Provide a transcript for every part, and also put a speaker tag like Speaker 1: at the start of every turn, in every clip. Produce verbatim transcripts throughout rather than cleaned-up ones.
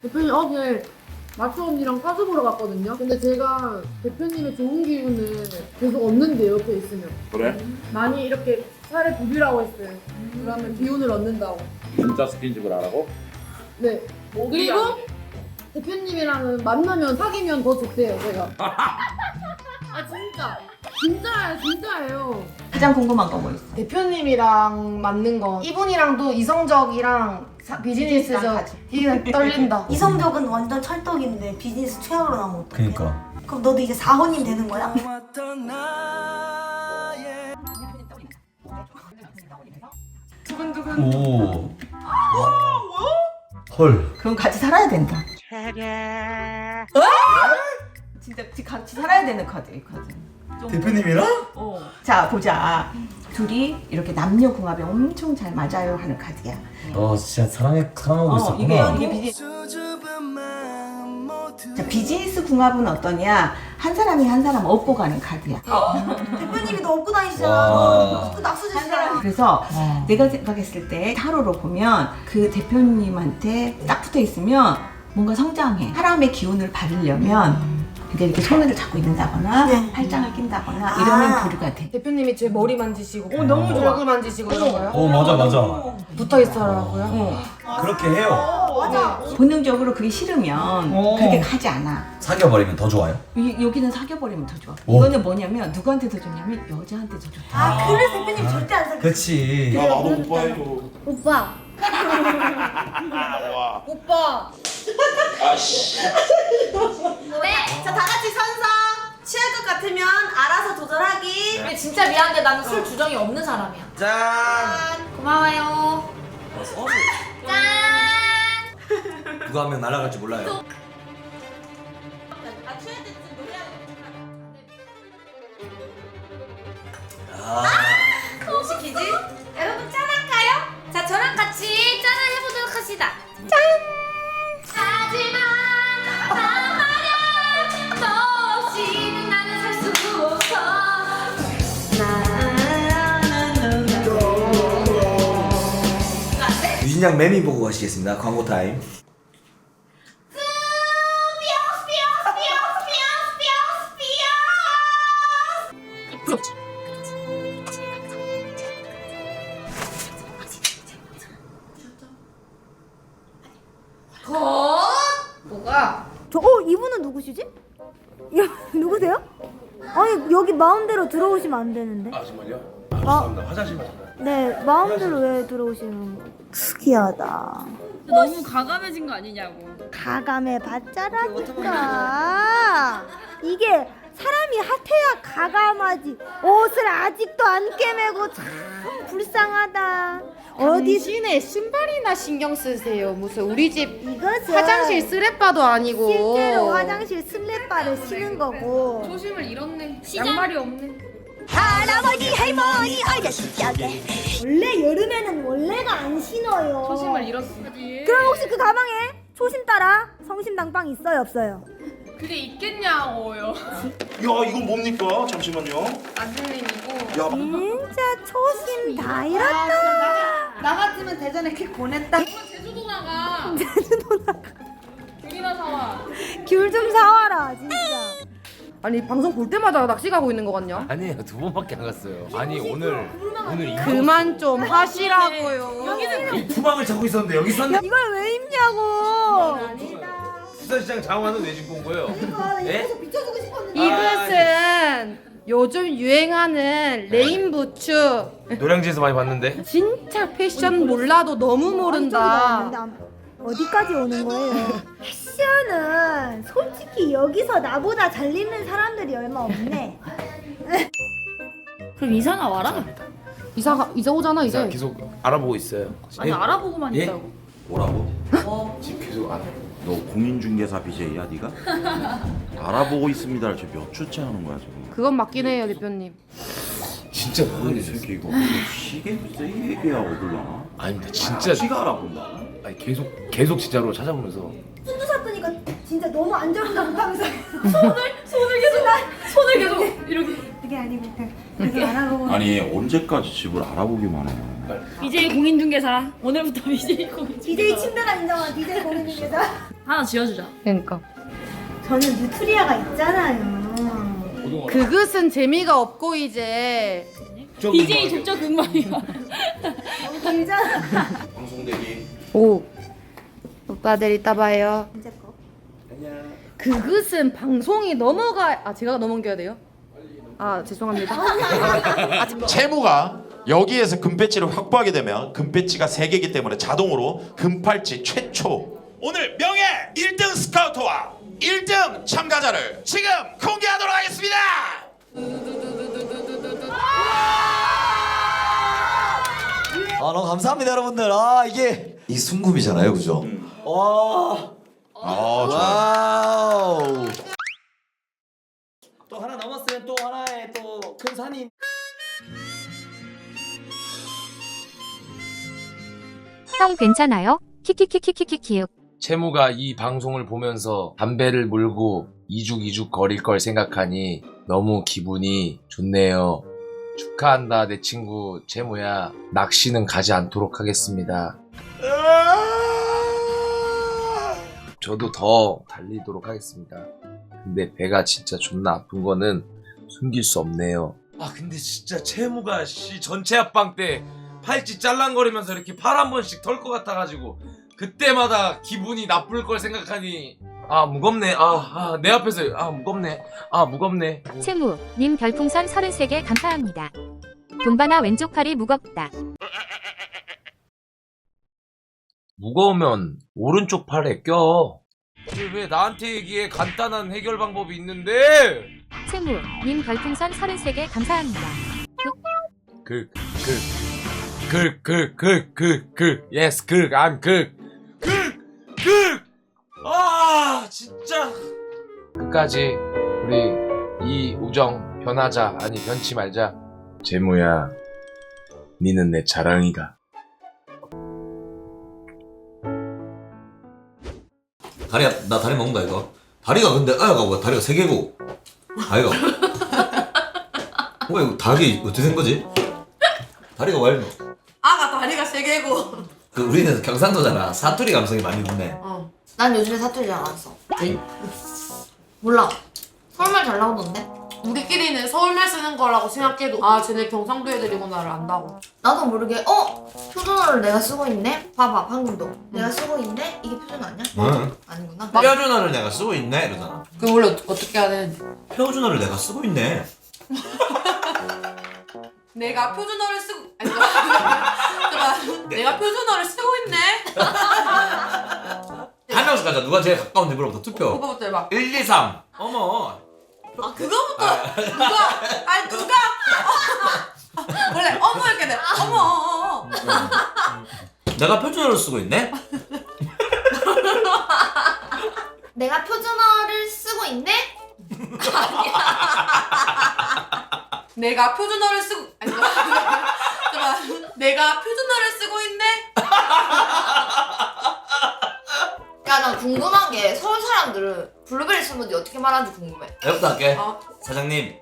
Speaker 1: 대표님 어제 마초 언니랑 가수 보러 갔거든요. 근데 제가 대표님의 좋은 기운을 계속 얻는데 옆에 있으면
Speaker 2: 그래?
Speaker 1: 많이 이렇게 살을 부비라고 했어요. 그러면 기운을 얻는다고.
Speaker 2: 진짜 스킨십을 하라고?
Speaker 1: 네. 그리고 대표님이랑은 만나면 사귀면 더 좋대요, 제가. 아 진짜. 진짜예요, 진짜예요.
Speaker 3: 가장 궁금한 거 뭐 있어?
Speaker 1: 대표님이랑 맞는 거. 이분이랑도 이성적이랑 사- 비즈니스적.
Speaker 3: 비즈니스랑
Speaker 1: 이게 떨린다.
Speaker 4: 이성적은 완전 찰떡인데 비즈니스 최악으로 나오면 어떡해?
Speaker 5: 그니까.
Speaker 4: 그럼 너도 이제 사호님 되는 거야?
Speaker 1: 두근두근.
Speaker 5: 오. 헐.
Speaker 3: 그럼 같이 살아야 된다. 진짜 같이 살아야 되는 카드, 이 카드. 좀-
Speaker 5: 대표님이랑?
Speaker 3: 어. 자, 보자. 둘이 이렇게 남녀 궁합이 엄청 잘 맞아요 하는 카드야.
Speaker 5: 너 진짜 사랑해 사랑하고
Speaker 3: 어,
Speaker 5: 있었구나.
Speaker 3: 이게, 이게 비즈니스. 자, 비즈니스 궁합은 어떠냐? 한 사람이 한 사람 업고 가는 카드야.
Speaker 4: 대표님이 너 업고 다니시잖아.
Speaker 5: 와.
Speaker 4: 그 낙수지시잖아.
Speaker 3: 그래서 내가 생각했을 때 타로로 보면 그 대표님한테 딱 붙어 있으면 뭔가 성장해. 사람의 기운을 받으려면 이제 이렇게 손을 잡고 있는다거나
Speaker 4: 네.
Speaker 3: 팔짱을 낀다거나 이러면
Speaker 4: 아.
Speaker 3: 교류가 돼.
Speaker 1: 대표님이 제 머리 만지시고
Speaker 3: 어, 너무 좋아.
Speaker 1: 얼굴 만지시고 이런 거요?
Speaker 5: 오 맞아 맞아.
Speaker 1: 붙어 있어라고요?
Speaker 3: 어.
Speaker 5: 그렇게 해요.
Speaker 4: 맞아.
Speaker 3: 본능적으로 그게 싫으면
Speaker 5: 어.
Speaker 3: 그렇게 가지 않아.
Speaker 5: 사귀어버리면 더 좋아요.
Speaker 3: 이- 여기는 사귀어버리면 더 좋아.
Speaker 5: 오.
Speaker 3: 이거는 뭐냐면 누구한테 더 좋냐면 여자한테 더 좋다.
Speaker 4: 아, 그래서 대표님 절대 안 사귀어.
Speaker 5: 그치.
Speaker 2: 야 나도 오빠 해줘.
Speaker 4: 오빠.
Speaker 1: 오빠!
Speaker 2: 아씨.
Speaker 4: 네. 자, 다 같이 선서. 취할 것 같으면 알아서 조절하기.
Speaker 1: 근데 진짜 미안한데 나는 술 주정이 없는 사람이야.
Speaker 5: 짠.
Speaker 1: 고마워요.
Speaker 5: 누가 하면 날아갈지 몰라요.
Speaker 4: 아, 취할 때쯤 노래하는
Speaker 5: 아.
Speaker 4: 거 시키지? 여러분 짠할까요?
Speaker 6: 자, 저랑 같이 짠을 해보도록 합시다. 짠! 하지만 나 말야 너 없이는 나는 살 수 없어.
Speaker 5: 유진양 매미 보고 가시겠습니다. 광고 타임.
Speaker 1: 뭐가?
Speaker 7: 저, 어, 이분은 누구시지? 야, 누구세요? 아니, 여기 마음대로 들어오시면 안 되는데.
Speaker 2: 아 정말요?
Speaker 7: 아,
Speaker 2: 죄송합니다. 화장실만 잠깐.
Speaker 7: 네, 마음대로 왜 들어오시는 거? 특이하다.
Speaker 6: 너무 과감해진 거 아니냐고.
Speaker 7: 가감해 봤자라니까. 이게 사람이 핫해야 가감하지. 옷을 아직도 안 깨매고 참 불쌍하다. 어디
Speaker 1: 당신의 신발이나 신경 쓰세요. 무슨 우리 집
Speaker 7: 이것은
Speaker 1: 화장실 쓰레빠도 아니고.
Speaker 7: 실제로 화장실 슬랩바를 신은 거고.
Speaker 1: 초심을 잃었네. 양말이 없네.
Speaker 7: 할아버지 할머니 아저씨 짝에 원래 여름에는 원래가 안 신어요.
Speaker 1: 초심을 잃었어.
Speaker 7: 그럼 혹시 그 가방에 초심 따라 성심당빵 있어요 없어요?
Speaker 1: 그게 있겠냐고요.
Speaker 2: 야 이건 뭡니까? 잠시만요.
Speaker 1: 아들님이고.
Speaker 2: 야
Speaker 7: 진짜 초심 다 잃었다.
Speaker 1: 나 같으면 대전에 킥 보냈다. 제주도 나가. 제주도 나가. 귤이나 사와.
Speaker 7: 귤 좀 사와라 진짜.
Speaker 1: 아니 방송 볼 때마다 낚시 가고 있는 거 같냐?
Speaker 8: 아니에요, 두 번밖에 안 갔어요. 아니 오늘 오늘 이거
Speaker 1: 그만 좀 하시라고요.
Speaker 5: 이 투망을 잡고 있었는데 여기 있었네.
Speaker 7: 이걸 왜 입냐고.
Speaker 8: 수산시장 장화는 왜 신고 온 거예요? 예?
Speaker 7: 비춰주고 싶었는데.
Speaker 1: 이것은 요즘 유행하는 레인 부츠.
Speaker 8: 노량진에서 많이 봤는데.
Speaker 1: 진짜 패션 몰라도 너무 모른다.
Speaker 7: 어디까지 오는 거예요? 패션은 솔직히 여기서 나보다 잘 입는 사람들이 얼마 없네.
Speaker 6: 그럼 이사나 와라.
Speaker 1: 이사가 이사 오잖아
Speaker 8: 제가
Speaker 1: 이제.
Speaker 8: 계속 알아보고 있어요.
Speaker 6: 아니
Speaker 8: 예?
Speaker 6: 알아보고만
Speaker 8: 예?
Speaker 6: 있다고.
Speaker 2: 뭐라고?
Speaker 8: 지금 계속 알아.
Speaker 2: 너 공인중개사 비제이야 네가? 알아보고 있습니다를 지금 몇 주째 하는 거야 지금?
Speaker 1: 그건 맞긴 해요 대표님.
Speaker 8: 진짜
Speaker 2: 이
Speaker 8: 모르겠어요.
Speaker 2: 새끼 이거 시계 세 개야 얻을라나?
Speaker 8: 아닙니다, 진짜.
Speaker 2: 지가 알아본다고?
Speaker 8: 아니 계속 계속 진짜로 찾아보면서.
Speaker 7: 순두 샀더니까 진짜 너무 안정감하면서
Speaker 6: 손을 계속 손을 계속 이렇게.
Speaker 7: 그게 아니고 그래서 알아보고.
Speaker 2: 아니 언제까지 집을 알아보기만 해?
Speaker 6: 비제이 공인중개사 오늘부터 비제이 공인중개사.
Speaker 7: 디제이 침대가 인정한 디제이 공인중개사.
Speaker 6: 하나 지어주자.
Speaker 1: 그러니까.
Speaker 7: 저는 누트리아가 있잖아요.
Speaker 1: 그것은 재미가 없고 이제
Speaker 6: 비제이 족저 극망이야.
Speaker 7: 너무 길잖아.
Speaker 2: 방송 대기.
Speaker 1: 오 오빠들 이따 봐요.
Speaker 7: 이제 거.
Speaker 1: 그것은 방송이 넘어가 아 제가 넘어가야 돼요? 아 죄송합니다.
Speaker 9: 채무가 여기에서 금배지를 확보하게 되면 금배지가 세 개이기 때문에 자동으로 금팔찌 최초 오늘 명예 일 등 스카우터와 일 등 참가자를 지금 공개하도록 하겠습니다.
Speaker 5: 아 너무 감사합니다 여러분들. 아 이게 이 순금이잖아요, 그죠? 와.
Speaker 9: 아, 좋아요.
Speaker 5: 와우. 또 하나 남았으면 또 하나의 또 큰 산이.
Speaker 10: 형 괜찮아요? 키키키키키키키요.
Speaker 8: 채무가 이 방송을 보면서 담배를 물고 이죽이죽 거릴 걸 생각하니 너무 기분이 좋네요. 축하한다 내 친구 채무야. 낚시는 가지 않도록 하겠습니다. 저도 더 달리도록 하겠습니다. 근데 배가 진짜 존나 아픈 거는 숨길 수 없네요. 아 근데 진짜 채무가 씨 전체 합방 때 팔찌 짤랑거리면서 이렇게 팔 한 번씩 털 것 같아가지고 그때마다 기분이 나쁠 걸 생각하니 아 무겁네. 아 내 앞에서 아 무겁네. 아 무겁네.
Speaker 10: 채무 님 별풍선 서른세 개 감사합니다. 돈바나 왼쪽 팔이 무겁다.
Speaker 8: 무거우면 오른쪽 팔에 껴. 왜 나한테 얘기해? 간단한 해결 방법이 있는데.
Speaker 10: 채무 님 별풍선 서른세 개 감사합니다.
Speaker 8: 그, 그, 그, 그, 그, 그, 그, yes, 그, I'm 그, 그, 그, 아, 진짜. 끝까지 우리 이 우정 변하자, 아니 변치 말자. 재무야, 니는 내 자랑이가.
Speaker 5: 다리가 나 다리 먹는다 이거. 다리가 근데 아야가 뭐야? 다리가 세 개고. 다리가. 뭐야 이거 다리 어떻게 된 거지? 다리가 왜 이래?
Speaker 4: 아가 다리가 세 개고.
Speaker 5: 그 우리는 경상도잖아. 사투리 감성이 많이 있네.
Speaker 6: 어. 난 요즘에 사투리 잘 안 써. 몰라. 서울말 잘 나오던데?
Speaker 1: 우리끼리는 서울말 쓰는 거라고 생각해도 아 쟤네 경상도 애들이구나를 안다고.
Speaker 6: 나도 모르게 어? 표준어를 내가 쓰고 있네? 봐봐 방금도 내가 쓰고 있네? 이게 표준어 아니야?
Speaker 5: 응.
Speaker 6: 아니구나.
Speaker 5: 표준어를 내가 쓰고 있네 이러잖아.
Speaker 1: 그 원래 어떻게, 어떻게 해야 되는지.
Speaker 5: 표준어를 내가 쓰고 있네.
Speaker 1: 내가 표준어를 쓰고 아니 잠깐만. 내가 표준어를 쓰고 있네.
Speaker 5: 한 명씩 가자. 누가 제일 가까운 데부터 투표.
Speaker 1: 그거부터 해봐.
Speaker 5: 일, 이, 삼. 어머.
Speaker 4: 아 그거부터 누가 아니 누가 원래 어머 이렇게 돼. 어머 어머.
Speaker 5: 내가 표준어를 쓰고 있네?
Speaker 6: 내가 표준어를 쓰고 있네?
Speaker 1: 내가 표준어를 쓰고 아니 잠깐만. 내가 표준어를 쓰고 있네.
Speaker 6: 야 나 궁금한 게 서울 사람들은 블루베리 스무디 어떻게 말하는지 궁금해.
Speaker 5: 내부터 할게.
Speaker 1: 어.
Speaker 5: 사장님.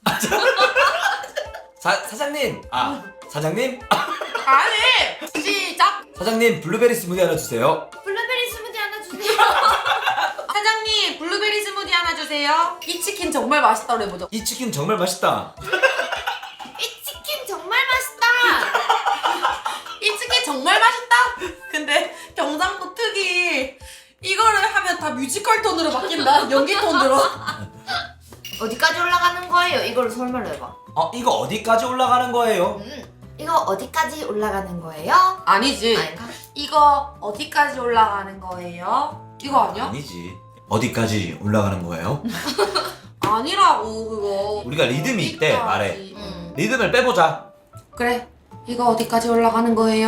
Speaker 5: 사, 사장님. 아, 사장님?
Speaker 1: 아니 시작.
Speaker 5: 사장님, 블루베리 스무디 하나 주세요.
Speaker 6: 블루베리 스무디 하나 주세요.
Speaker 1: 사장님 블루베리 스무디 하나 주세요. 이 치킨 정말 맛있다고 해보죠.
Speaker 5: 이 치킨 정말 맛있다.
Speaker 6: 이 치킨 정말 맛있다.
Speaker 1: 이 치킨 정말 맛있다. 근데 경상도 특이 이거를 하면 다 뮤지컬 톤으로 바뀐다. 연기 톤으로.
Speaker 6: 어디까지 올라가는 거예요? 이거를 서울말로 해봐.
Speaker 5: 어, 이거 어디까지 올라가는 거예요?
Speaker 6: 음, 이거 어디까지 올라가는 거예요?
Speaker 1: 아니지.
Speaker 6: 아닌가?
Speaker 1: 이거 어디까지 올라가는 거예요? 이거 아니야?
Speaker 5: 아니지. 어디까지 올라가는 거예요?
Speaker 1: 아니라고 그거.
Speaker 5: 우리가 리듬이 있대,
Speaker 1: 어디까지.
Speaker 5: 말에.
Speaker 6: 음.
Speaker 5: 리듬을 빼보자.
Speaker 1: 그래. 이거 어디까지 올라가는 거예요?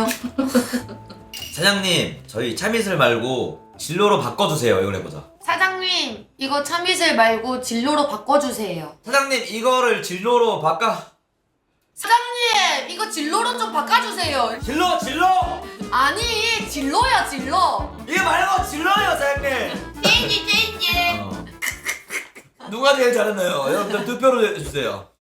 Speaker 5: 사장님, 저희 참이슬 말고 진로로 바꿔주세요. 이걸 해보자.
Speaker 1: 사장님 이거 참이슬 말고 진로로 바꿔주세요.
Speaker 5: 사장님, 이거를 진로로 바꿔.
Speaker 1: 사장님 이거 진로로 좀 바꿔주세요.
Speaker 5: 진로, 진로!
Speaker 1: 아니 진로야 진로.
Speaker 5: 이게 말고 진로예요, 사장님!
Speaker 6: 찐지 찐지.
Speaker 5: 어. 누가 제일 잘했나요? 여러분들 투표를 해주세요.